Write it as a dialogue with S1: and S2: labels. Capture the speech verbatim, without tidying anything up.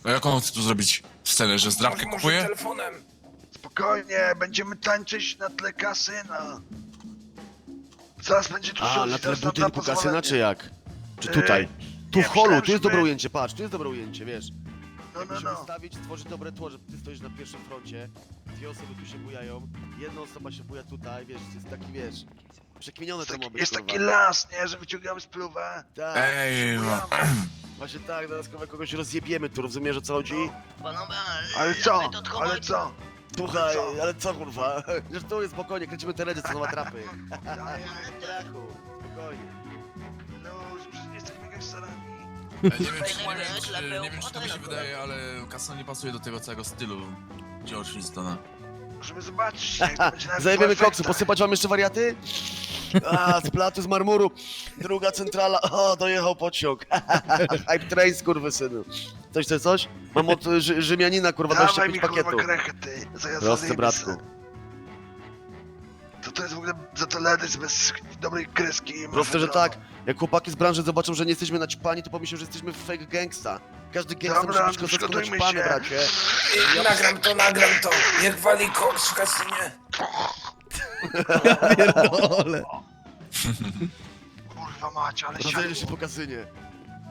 S1: A jak on chce tu zrobić scenę, że zdrabkę
S2: Może
S1: kupuje?
S2: telefonem.
S3: Spokojnie, będziemy tańczyć na tle kasyna. Zaraz będzie tu
S4: A,
S3: show,
S4: na tle
S3: zaraz nam da
S4: budynku kasyna,
S3: pozwolenie.
S4: czy jak? Czy
S3: Yy,
S4: tutaj? Tu
S3: nie,
S4: w holu,
S3: myślałem,
S4: tu jest
S3: że
S4: dobre
S3: my-
S4: ujęcie, patrz, tu jest dobre ujęcie, wiesz.
S3: No, no,
S4: Musimy
S3: no.
S4: ustawić, stworzyć dobre tło, że ty stoisz na pierwszym froncie, dwie osoby tu się bujają, jedna osoba się buja tutaj, wiesz, jest taki, wiesz, przekminione
S3: Jest
S4: to ma
S3: taki,
S4: być,
S3: jest
S4: kurwa.
S3: taki las, nie, że wyciągamy spluwę.
S4: Tak,
S1: Ej, no.
S4: właśnie tak, zaraz kurwa kogoś rozjebiemy tu, rozumiesz o co chodzi?
S5: Panowie,
S3: Ale co?
S5: my to tylko
S3: Ale
S5: mamy-
S3: co?
S4: Słuchaj,
S3: co?
S4: ale co kurwa? Że tu jest spokojnie, kręcimy te redy, co ma trapy.
S3: Ja, ja,
S4: Strachu, spokojnie.
S3: no, że przecież nie jesteśmy gangsterami.
S1: Ja nie wiem, czy,
S5: Fajne
S1: nie wiem,
S5: rzeczy,
S1: czy,
S5: lepiej
S1: nie wiem, czy to mi się
S5: obchodzę.
S1: wydaje, ale Kason nie pasuje do tego całego stylu George Flintstona.
S3: Możemy zobaczyć, jak to będzie na
S4: Zajebiemy
S3: w
S4: koksu,
S3: efektach.
S4: posypać wam jeszcze wariaty? A, z platu, z marmuru. Druga centrala, o, dojechał pociąg. Hype train, skurwysynu. Coś, coś, coś? Mam od Rzy Rzymianina, kurwa,
S3: Dawaj
S4: dwadzieścia
S3: mi
S4: pięć
S3: kurwa
S4: pakietów.
S3: krechę, ty. Zaraz
S4: Prosty,
S3: zajebie
S4: bratku.
S3: se. To to jest w ogóle za to ledyc bez dobrej kreski.
S4: Proste, że tak. Jak chłopaki z branży zobaczą, że nie jesteśmy naćpani, to pomyślą, że jesteśmy fake gangsta. Każdy gangsta
S3: Dobra,
S4: musi być kozacko
S3: przygotujmy
S4: naćpany,
S3: się.
S4: bracie.
S2: I nagram to, nagram to. Niech wali koks w kasynie.
S4: Pierdolę.
S3: Kurwa macie, ale
S4: Rozejdzie się
S3: siadło.
S4: po kasynie.